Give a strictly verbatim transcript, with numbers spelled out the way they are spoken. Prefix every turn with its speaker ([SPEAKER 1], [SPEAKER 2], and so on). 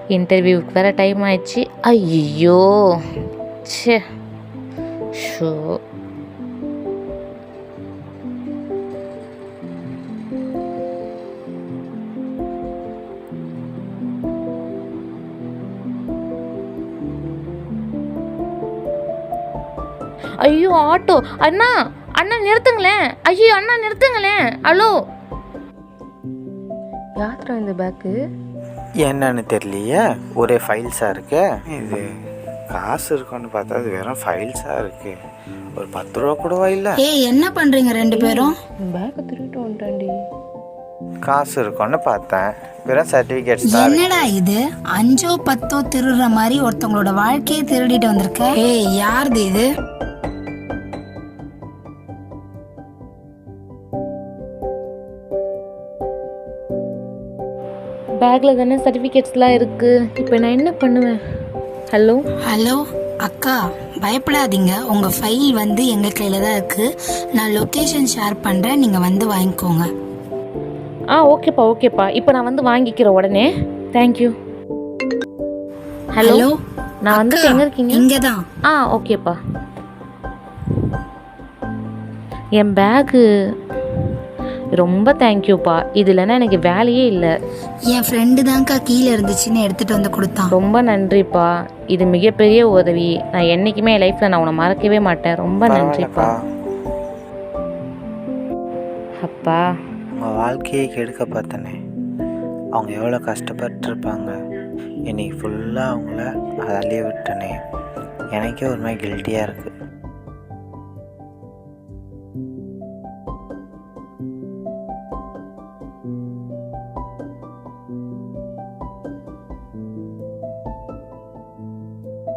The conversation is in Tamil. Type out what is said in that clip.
[SPEAKER 1] இன்டர்வியூக்கு வேறு டைம் ஆயிடுச்சு. ஐயோ சே ஷோ. ஐயோ ஆட்டோ அண்ணா அண்ணா நிறுத்துங்களேன். ஐயோ அண்ணா நிறுத்துங்களேன். ஹலோ யாத்திரா இந்த பேக்கு
[SPEAKER 2] என்னன்னு தெரியலையே, ஒரே ஃபைல்ஸாக இருக்கு. இது காசு இருக்குன்னு பார்த்தா அது வெறும் ஃபைல்ஸாக இருக்கு. ஒரு பத்து ரூபா கூடவா இல்லை?
[SPEAKER 3] ஏய் என்ன பண்றீங்க ரெண்டு பேரும்?
[SPEAKER 1] பேக்கை திருட்டு வந்துட்டாண்டி.
[SPEAKER 2] காசு இருக்குன்னு பார்த்தேன், வெறும் சர்டிஃபிகேட்ஸ் தான் இருக்கு.
[SPEAKER 3] என்னடா இது அஞ்சோ பத்தோ திருடுற மாதிரி ஒருத்தவங்களோட வாழ்க்கையை திருடிட்டு வந்திருக்க. ஏய் யாருது இது?
[SPEAKER 1] பேக்கில் தானே சர்டிஃபிகேட்ஸ்லாம் இருக்குது. இப்போ நான் என்ன பண்ணுவேன்? ஹலோ
[SPEAKER 3] ஹலோ அக்கா, பயப்படாதீங்க, உங்க ஃபைல் வந்து எங்க கையில தான் இருக்கு. நான் லொகேஷன் ஷேர் பண்றேன், நீங்க வந்து வாங்கிக்கோங்க.
[SPEAKER 1] ஆ ஓகேப்பா ஓகேப்பா, இப்போ நான் வந்து வாங்கிக்கிறேன் உடனே. தேங்க்யூ. ஹலோ நான் வந்து
[SPEAKER 3] அக்கா,
[SPEAKER 1] எங்கே இருக்கீங்க?
[SPEAKER 3] இங்கதான்.
[SPEAKER 1] ஆ ஓகேப்பா. என் பேகு ரொம்ப தேங்க்யூப்பா. இது இல்லைன்னா எனக்கு வேலையே இல்லை.
[SPEAKER 3] என் ஃப்ரெண்டு தான்க்கா கீழே இருந்துச்சுன்னு எடுத்துட்டு வந்து கொடுத்தான்.
[SPEAKER 1] ரொம்ப நன்றிப்பா, இது மிகப்பெரிய உதவி. நான் என்றைக்குமே என் லைஃப்பில் நான் உன்னை மறக்கவே மாட்டேன். ரொம்ப நன்றிப்பா. அப்பா
[SPEAKER 2] உங்கள் வாழ்க்கையை கெடுக்க பார்த்தனே, அவங்க எவ்வளோ கஷ்டப்பட்டுருப்பாங்க. இன்னைக்கு ஃபுல்லாக அவங்கள அதை அழிய விட்டனே, எனக்கே ஒரு மாதிரி கில்ட்டியாக இருக்குது.